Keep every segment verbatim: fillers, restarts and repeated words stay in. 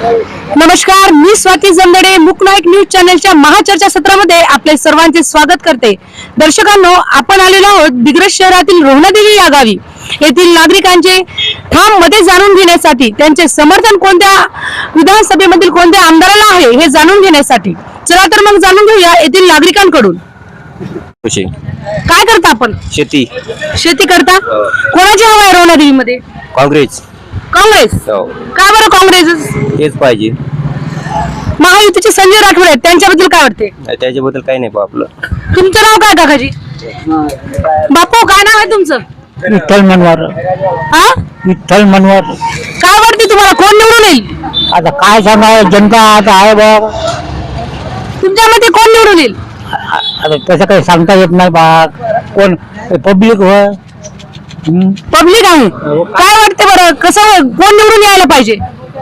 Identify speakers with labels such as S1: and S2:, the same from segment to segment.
S1: नमस्कार, मी स्वाती जमदडे मुकनायक न्यूज चॅनलच्या महाचर्चा सत्रामध्ये आपले सर्वांचे स्वागत करते। दर्शकांनो, आपण आलेलो आहोत दिग्रस शहरातील रोहनादेवी या गावी। येथील नागरिकांचे ठाम मते जाणून घेण्यासाठी, त्यांचे समर्थन कोणत्या विधानसभेमधील कोणत्या आमदाराला आहे हे जाणून घेण्यासाठी चला तर मग जाणून घेऊया येथील नागरिकांकडून। काय करता आपण?
S2: शेती
S1: शेती करता। कोणाची हवा आहे रोहनादेवीमध्ये?
S2: काँग्रेस।
S1: काँग्रेस? का बरं काँग्रेस
S2: तेच पाहिजे।
S1: महायुतीचे संजय राठोड आहेत, त्यांच्याबद्दल काय वाटते?
S2: त्याच्याबद्दल काही नाही आपलं।
S1: तुमचं नाव काय काकाजी? बापू, काय नाव आहे तुमचं?
S3: विठ्ठल मनवार।
S1: हा,
S3: विठ्ठल मनवार।
S1: काय वाटते तुम्हाला, कोण निवडून येईल?
S3: आता काय सांगा, जनता आता आहे बा।
S1: तुमच्या मते कोण निवडून येईल?
S3: आता तसं काही सांगता येत नाही बा। कोण पब्लिक होय,
S1: पब्लिक आहे। काय वाटते बरं, कसं कोण निवडून यायला पाहिजे?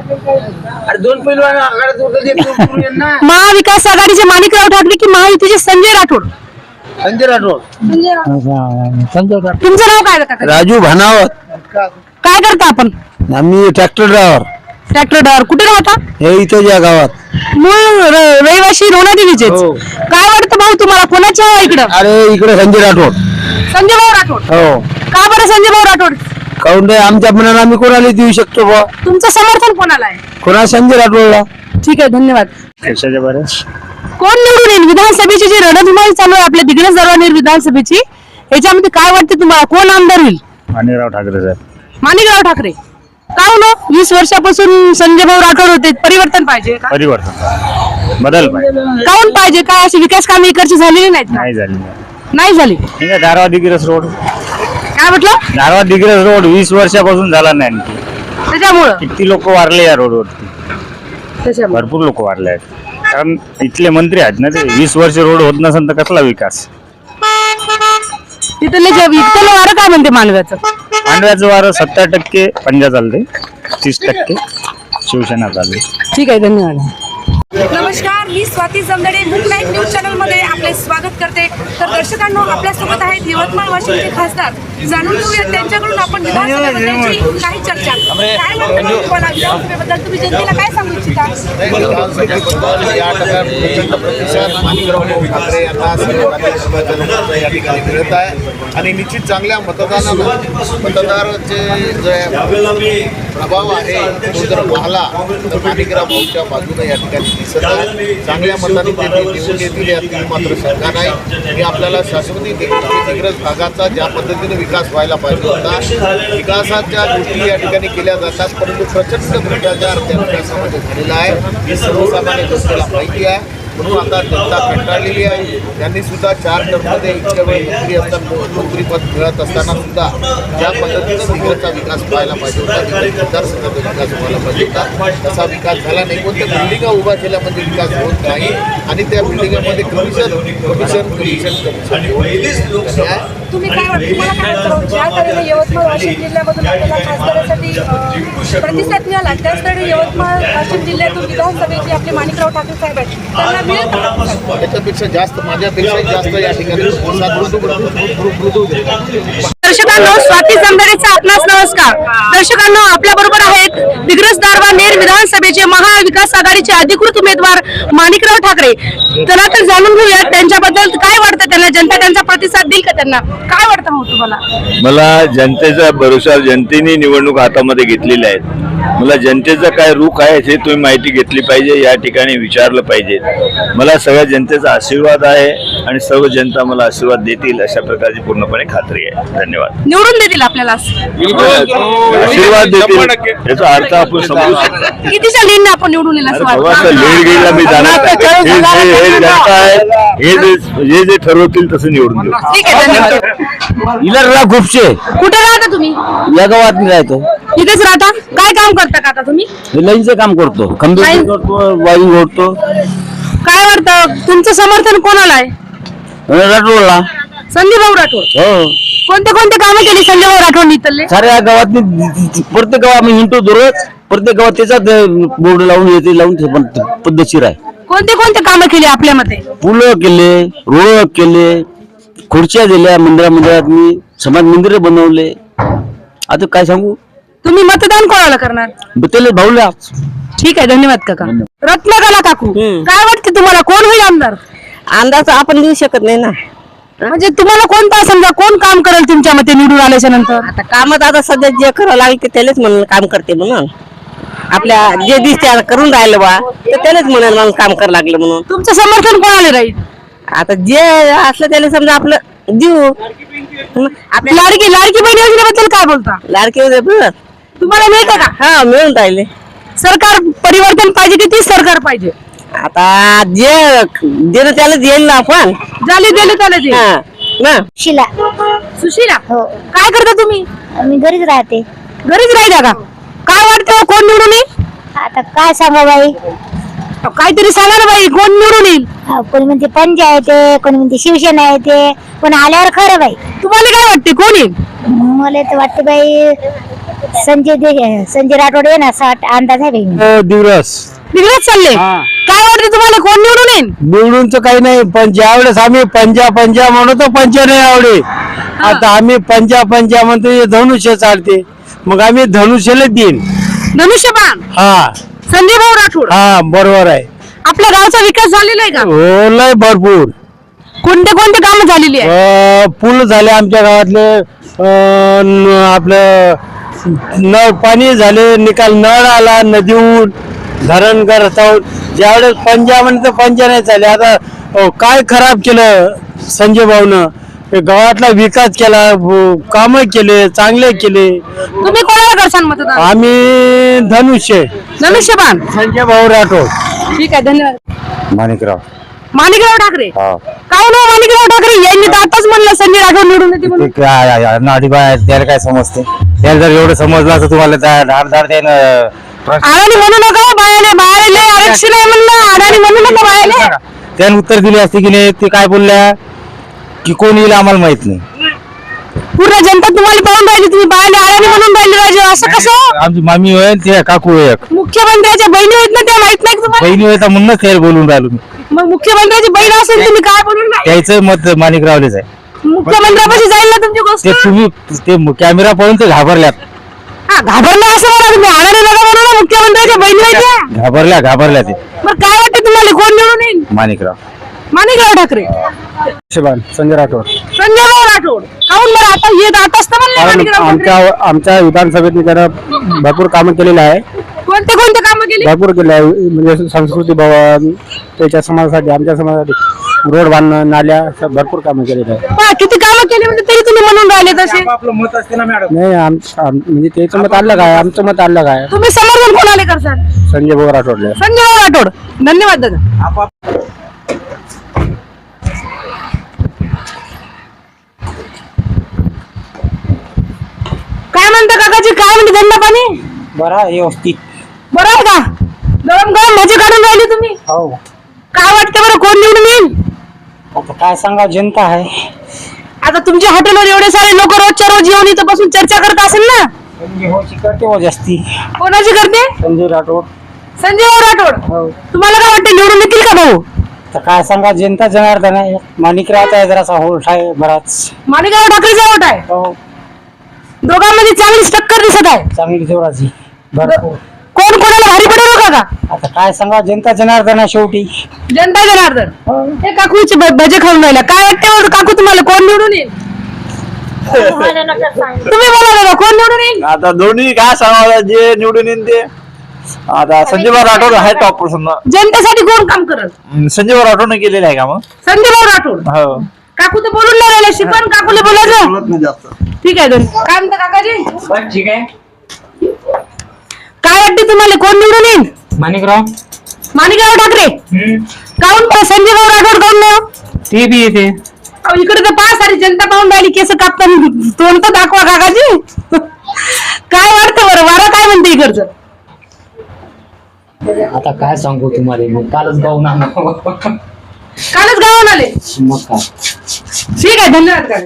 S1: महाविकास आघाडीचे माणिकराव ठाकरे की महायुतीचे संजय राठोड?
S2: संजय राठोड।
S3: संजय राठोड।
S1: तुमचं नाव काय काका?
S2: राजू भानावत।
S1: काय करता आपण?
S2: आम्ही ट्रॅक्टर ड्रायव्हर।
S1: Tractor driver. कुठे राहता?
S2: हे इथे या गावात।
S1: मूळ र- रहिवासी रोहनादेवीचेच।
S2: हो।
S1: काय वाटतं भाऊ तुम्हाला, कोणाची हवा इकडं?
S2: अरे इकडे संजय राठोड।
S1: संजय भाऊ राठोड।
S2: हो।
S1: का बरं संजय भाऊ राठोड?
S2: काऊन रे, आमच्या मनाला आम्ही कोणाला देऊ शकतो बा?
S1: तुमचं समर्थन कोणाला आहे?
S2: कोणा संजय राठोडला।
S1: ठीक आहे, धन्यवाद।
S3: कशाच्या बरं?
S1: कोण निवडून येईल? विधानसभेची जी रणधुमाळी चालू आहे आपल्या दिग्रस दरवानेर विधानसभेची, याच्यामध्ये काय वाटते तुम्हाला, कोण आमदार होईल?
S3: माणिकराव ठाकरे साहेब।
S1: माणिकराव ठाकरे। का हो? वीस वर्षापासून संजय भाऊ राठोड होते, परिवर्तन पाहिजे का?
S3: परिवर्तन बदल पाहिजे।
S1: काऊन पाहिजे? काय अशी विकास कामे इकडची झालेली नाहीत का?
S3: नाही झाली।
S1: नाही झाली।
S3: ठीक आहे, धारवा दिग्रस रोड।
S1: काय म्हटलं?
S3: धारवा दिग्रस रोड वीस वर्षापासून झाला नाही आणखी।
S1: त्याच्यामुळं
S3: किती लोक वारले या रोडवरती,
S1: त्याच्यामुळं
S3: भरपूर लोक वारले आहेत। कारण इथले मंत्री आहेत ना ते। वीस वर्ष रोड होत नसेल तर कसला विकास?
S1: तिथले जे इथलं वारं काय म्हणते मानव्याचं?
S3: मांडव्याचं वारं सत्तर टक्के पंजा चालते, तीस टक्के शिवसेना चालते।
S1: ठीक आहे, धन्यवाद। नमस्कार, मी स्वाती जमदडे मुकनायक न्यूज चॅनल मध्ये आपले स्वागत करते। तर दर्शकांनो, आपल्यासोबत आहेत यवतमाळ वाशिमचे खासदार। जाणून घेऊया त्यांच्याकडून आपण विधानसभेबद्दलची काही चर्चा। काय वाटतं तुम्हाला विधानसभेबद्दल? तुम्ही जनतेला काय सांगू इच्छिता?
S4: विधानसभेबद्दल या टप्प्यात प्रचंड प्रतिसाद माणिकराव ठाकरे यांना सर्व जनता या ठिकाणी मिळत आहे आणि निश्चित चांगल्या मतदानानं मतदाराचे जे प्रभाव आहे तो जर पाहला तर माणिकराव भाऊच्या बाजूने या ठिकाणी दिसत आहे। चांगल्या मताने ते निवडून येतील यातील मात्र शंका नाही। की आपल्याला शाश्वती दिग्रस भागाचा ज्या पद्धतीने विकास व्हायला पाहिजे होता, विकासाच्या गोष्टी या ठिकाणी केल्या जातात, परंतु प्रचंड भ्रष्टाचार त्या विकासामध्ये झालेला आहे ही सर्वसामान्य जनतेला माहिती आहे। म्हणून आता जनता कंटाळलेली आहे। त्यांनी सुद्धा चार टर्ममध्ये इतक्या वेळ मंत्री असताना मंत्रीपद मिळत असताना सुद्धा ज्या पद्धतीनं दिग्रसचा विकास व्हायला पाहिजे होता, दिग्रस मतदारसंघाचा विकास व्हायला पाहिजे होता, तसा विकास झाला नाही। कोणत्या बिल्डिंगा उभा केल्या म्हणजे विकास होत नाही आणि त्या बिल्डिंगामध्ये कमिशन कमिशन कमिशन कमिशन
S5: तुम्ही काय वाटतं, तुम्हाला काय वाटतं, ज्या तऱ्हेने यवतमाळ वाशिम जिल्ह्यामधून आपल्याला खासदारासाठी अ, प्रतिसाद मिळाला, त्याच तऱ्हेने यवतमाळ वाशिम जिल्ह्यातून विधानसभेचे आपले माणिकराव ठाकरे साहेब आहेत, त्यांना मिळेल का?
S4: त्याच्यापेक्षा जास्त माझ्यापेक्षाही जास्त या ठिकाणी प्रतिसाद मृदू मृदू मृदू देतात।
S1: दर्शकांनो, स्वाती जमदडेचा आपणास नमस्कार। दर्शकांनो, आपल्या बरोबर आहेत दिग्रस दरवानेर विधानसभेचे महाविकास आघाडीचे अधिकृत उमेदवार माणिकराव ठाकरे। चला तर जाणून घेऊया त्यांच्याबद्दल काय वाटतं, त्यांना जनता त्यांचा प्रतिसाद देईल का? त्यांना काय वाटतं हो तुम्हाला?
S6: मला जनतेचा भरोसा, जनतेने निवडणूक हातामध्ये घेतलेल्या आहेत। मला जनतेचा काय रुख आहे हे तुम्ही माहिती घेतली पाहिजे, या ठिकाणी विचारलं पाहिजे। मला सगळ्या जनतेचा आशीर्वाद आहे आणि सर्व जनता मला आशीर्वाद देतील अशा प्रकारची पूर्णपणे खात्री आहे। धन्यवाद।
S1: निवडून देतील आपल्याला?
S6: आशीर्वाद देतील याचा अर्थ आपण समजू शकतो।
S1: कितीच्या लीडने आपण निवडून येईल असं वाटतं?
S6: लीड गेला मी जाणार नाही। हे जे- हे जनता आहे, हे जे हे जे ठरवतील तसं निवडून देऊ।
S1: ठीक आहे, धन्यवाद।
S2: इला खूपशे
S1: कुठे राहता तुम्ही?
S2: या गावात मी राहतो।
S1: इथेच राहता? काय काम करता का आता तुम्ही?
S2: लाईनचं काम करतो, खंबीर
S1: लाईन-
S2: करतो, वायरिंग ओढतो।
S1: काय वाटतं, तुमचं समर्थन कोणाला आहे?
S2: राठोडला।
S1: संजय भाऊ राठोड।
S2: हो,
S1: कोणते कोणते कामं केली संजय भाऊ राठोड इथले?
S2: साऱ्या गावात प्रत्येक गावात आम्ही हिंडतो दररोज। प्रत्येक गावात त्याचा बोर्ड लावून येते, लावून ते पण पद्धतशीर आहे।
S1: कोणते कोणते कामं केली आपल्या मते?
S2: पुलं केले, रोड केले, खुर्च्या दिल्या मंदिरा मंदिरात, मी समाज मंदिर बनवले। आता काय सांगू?
S1: तुम्ही मतदान कोणाला करणार?
S2: त्याला भाऊला
S1: ठीक आहे, धन्यवाद काका. रत्नकला काकू, काय वाटते तुम्हाला कोण होईल आमदार?
S7: अंदाज आपण देऊ शकत नाही ना.
S1: म्हणजे तुम्हाला कोणता समजा कोण काम करेल तुमच्या मते निवडून आल्याच्या नंतर?
S7: आता कामात आता सध्या जे करावं लागेल ते त्यालाच म्हणून काम करते म्हणून आपल्या जे दिसते आता करून राहिलं बा तर त्यालाच म्हणाल मग काम करावं लागलं म्हणून.
S1: तुमचं समर्थन कोणाला राहील?
S7: आता जे असलं त्याला समजा आपलं देऊ. आपल्या
S1: लाडकी लाडकी बहीण योजनेबद्दल काय बोलता?
S7: लाडके
S1: तुम्हाला मिळतं का?
S7: हा मिळून राहिले.
S1: सरकार परिवर्तन पाहिजे की तीच सरकार पाहिजे?
S7: आता जे देणं त्यालाच येईल ना आपण.
S1: झाले दिले त्याला ते.
S7: हा ना.
S8: शिला.
S1: सुशीला,
S8: हो,
S1: काय करता तुम्ही?
S8: मी घरीच राहते.
S1: घरीच राहिला का? काय वाटतं कोण निवडून येईल?
S8: आता काय सांगा बाई,
S1: काहीतरी सांगा ना बाई, कोण निवडून येईल?
S8: अहो, कोणी म्हणते पंचायत आहे, कोणी म्हणते शिवसेना येते, पण आल्यावर खरं बाई.
S1: तुम्हाला काय वाटते कोण येईल?
S8: मला तर वाटते बाई संजय दे संजय राठोड आहे ना, असा अंदाज आहे बाई.
S2: दिवस
S1: निघत चालले. काय वाटते तुम्हाला कोण निवडून येईल?
S2: निवडूनच काही नाही, पण ज्यावेळेस आम्ही पंजा पंजा म्हणतो पंचा नाही आवडे. आता आम्ही पंजा पंजा म्हणतो हे धनुष्य चालते, मग आम्ही धनुष्यला देईन.
S1: धनुष्यबाण
S2: हा
S1: संजय भाऊ राठोड.
S2: हा बरोबर आहे.
S1: आपल्या गावचा विकास झालेला आहे का?
S2: हो लय भरपूर.
S1: कोणते कोणते कामं झालेली आहे?
S2: अं, पूल झाले आमच्या गावातले, अं, न- आपलं नळ पाणी झाले, निकाल नळ आला नदीहून, धरण रस्त्यावर. ज्यावेळेस पंजा म्हणते पंजा नाही चालले. आता अं, काय खराब केलं संजय भाऊनं, हे गावातला विकास केला, काम केले, चांगले केले.
S1: तुम्ही कोणाला करसान मतदान?
S2: आम्ही धनुष्य
S1: धनुष्यबाण.
S2: संजय भाऊ राठोड.
S1: ठीक आहे, धन्यवाद.
S3: माणिकराव.
S1: माणिकराव ठाकरे. काय नाव माणिकराव ठाकरे यांनी तर आताच म्हणलं संजय राठोड निवडून येते म्हणून.
S3: नाडी बाय त्याला काय समजते? त्याला जर एवढं समजलं असं तुम्हाला त्या धाड धाड त्यानं
S1: अडाणी म्हणू नका बायाले, बायाले लय आरक्षण आहे म्हणलं, अडाणी म्हणू नका बायाले.
S3: त्यानं उत्तर दिले असते की नाही. ते काय बोलल्या की कोण येईल आम्हाला माहित नाही.
S1: पूर्ण जनता तुम्हाला पाहून राहिली, तुम्ही बायाले अडाणी म्हणून राहिले राजे, असं कसं?
S3: आमची मामी होईल ते काकू होईल,
S1: मुख्यमंत्र्याच्या बहिणी आहेत ना, त्या माहित नाही का तुम्हाला?
S3: बहिणी होईल म्हणूनच त्याला बोलून राहिलो मी.
S1: मग मुख्यमंत्र्याची बहीण असेल तुम्ही काय बोलून राहिले?
S3: त्याचं मत माणिकरावलेच आहे.
S1: मुख्यमंत्र्यापाशी जाईल ना तुमची गोष्ट.
S3: ते तुम्ही ते कॅमेरा पाहून ते घाबरल्यात.
S1: हा, घाबरला असं म्हणा तुम्ही, अडाणी नका म्हणू ना, मुख्यमंत्र्याच्या बहिणी आहेत त्या.
S3: घाबरल्या घाबरल्या ते
S1: मग काय वाटतं तुम्हाला कोण निवडून येईल?
S3: माणिकराव.
S1: माणिकराव ठाकरे.
S2: संजय राठोड.
S1: संजय भाऊ राठोड. काहून बरं आता येत आताच तर म्हणले माणिकराव ठाकरे.
S2: आमच्या आमच्या विधानसभेत त्यानं भरपूर कामं केलेलं आहे.
S1: कोणते कोणते कामं केली?
S2: भरपूर केलं आहे. म्हणजे संस्कृती भवन, त्याच्या समाजासाठी, आमच्या समाजासाठी रोड बांधणं, नाल्या, असं भरपूर कामं केलेली आहे.
S1: पहा, किती कामं केली म्हणजे तरी तुम्ही म्हणून राहिले तसे.
S2: नाही आम आम- म्हणजे त्याचं मत अलग आहे, आमचं मत अलग आहे.
S1: तुम्ही समर्थन कोणाला करसाल?
S2: संजय भाऊ राठोडले.
S1: संजय भाऊ राठोड. धन्यवाद दादा. काय म्हणता काकाजी, काय म्हणते धंदा पाणी?
S2: बरं व्यवस्थित.
S1: बरं आहे का? गरम गरम भजी काढून राहिली तुम्ही.
S2: हो.
S1: काय वाटतं बरं कोण निवडून येईल?
S2: आता काय सांगा, जनता आहे.
S1: आता तुमच्या हॉटेलवर एवढे सारे लोक रोजच्या रोज येऊन इथं बसून चर्चा करत असेल ना?
S2: संजय भाऊची करते हो जास्ती.
S1: कोणाची करते?
S2: संजय राठोड.
S1: संजय भाऊ राठोड.
S2: हो.
S1: तुम्हाला काय वाटतं निवडून येतील का भाऊ?
S2: तर काय सांगा, जनता जनार्दन आहे. माणिकराव आहे जरासा होल्ट आहे बराच.
S1: माणिकराव ठाकरेचा वोट आहे.
S2: हो.
S1: दोघांमध्ये चांगलीच टक्कर दिसत आहे.
S2: चांगली जोराची भरपूर.
S1: कोण कोणाला भारी पडेल हो काका?
S2: आता काय सांगा, जनता जनार्दन आहे शेवटी.
S1: जनता जनार्दन. हे काकूचे भ- भजे खाऊन राहिला. काय वाटते बरं काकू तुम्हाला कोण निवडून येईल? तुम्ही बोला दादा, कोण निवडून येईल?
S6: आता दोन्ही काय सांगावं, जे निवडून येईल ते. आता संजय भाऊ राठोड आहे टॉप पर्सन.
S1: जनतेसाठी कोण काम करत?
S6: संजय भाऊ राठोडने केलेलं आहे का मग?
S1: संजय भाऊ राठोड.
S6: हो.
S1: काकू तर बोलून नाही राहिले, शिकवण काकूला बोलायचं. ठीक आहे दोन. काय म्हणता काकाजी?
S2: ठीक आहे.
S1: काय वाटते तुम्हाला कोण निवडून येईल?
S2: माणिकराव.
S1: माणिकराव ठाकरे. काहून बरं संजय भाऊ राठोड काहून नाही हो?
S2: ते बी येते.
S1: अहो, इकडे तर पाच सारी जनता पाहून राहिली, केस कापताना तोंड तर दाखवा काकाजी. काय वाटतं बरं, वारा काय म्हणते इकडचं?
S9: आता काय सांगू तुम्हाला, मी कालच गाऊन आणलो.
S1: कालच गावात आले.
S9: मग काय.
S1: ठीक आहे, धन्यवाद काका.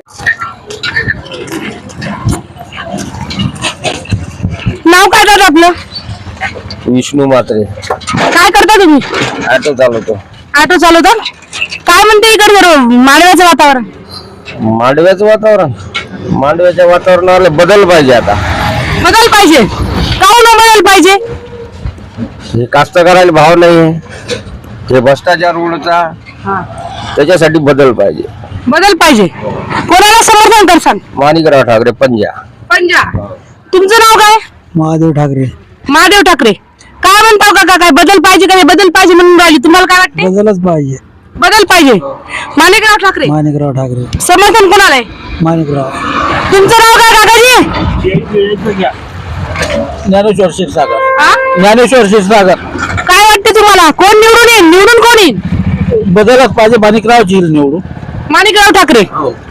S1: नाव काय दादा आपलं?
S2: विष्णू मात्रे.
S1: काय करता तुम्ही?
S2: ऑटो चालवतो.
S1: ऑटो चालवता? काय म्हणते इकडे मांडव्याचं वातावरण?
S2: मांडव्याचं वातावरण, मांडव्याच्या वातावरणाला बदल पाहिजे. आता
S1: बदल पाहिजे. काहून बदल पाहिजे?
S2: हे कास्तकाराला भाव नाही, हे भ्रष्टाचार उडता,
S1: हा.
S2: त्याच्यासाठी बदल पाहिजे.
S1: बदल पाहिजे. कोणाला समर्थन करसान?
S2: माणिकराव ठाकरे पंजा.
S1: पंजा. तुमचं नाव काय?
S2: महादेव ठाकरे.
S1: महादेव ठाकरे. काय म्हणताव काका, काय बदल पाहिजे का? बदल पाहिजे म्हणून राहिली, तुम्हाला काय वाटते?
S2: बदलच पाहिजे.
S1: बदल पाहिजे. माणिकराव ठाकरे.
S2: माणिकराव ठाकरे.
S1: समर्थन कोणाला आहे?
S2: माणिकराव.
S1: तुमचं नाव काय काकाजी?
S2: ज्ञानेश्वर क्षीरसागर.
S1: हा?
S2: ज्ञानेश्वर क्षीरसागर.
S1: काय वाटते तुम्हाला, कोण निवडून येईल? निवडून कोण येईल?
S2: बदलच पाहिजे. माणिकराव येईल निवडून.
S1: माणिकराव ठाकरे.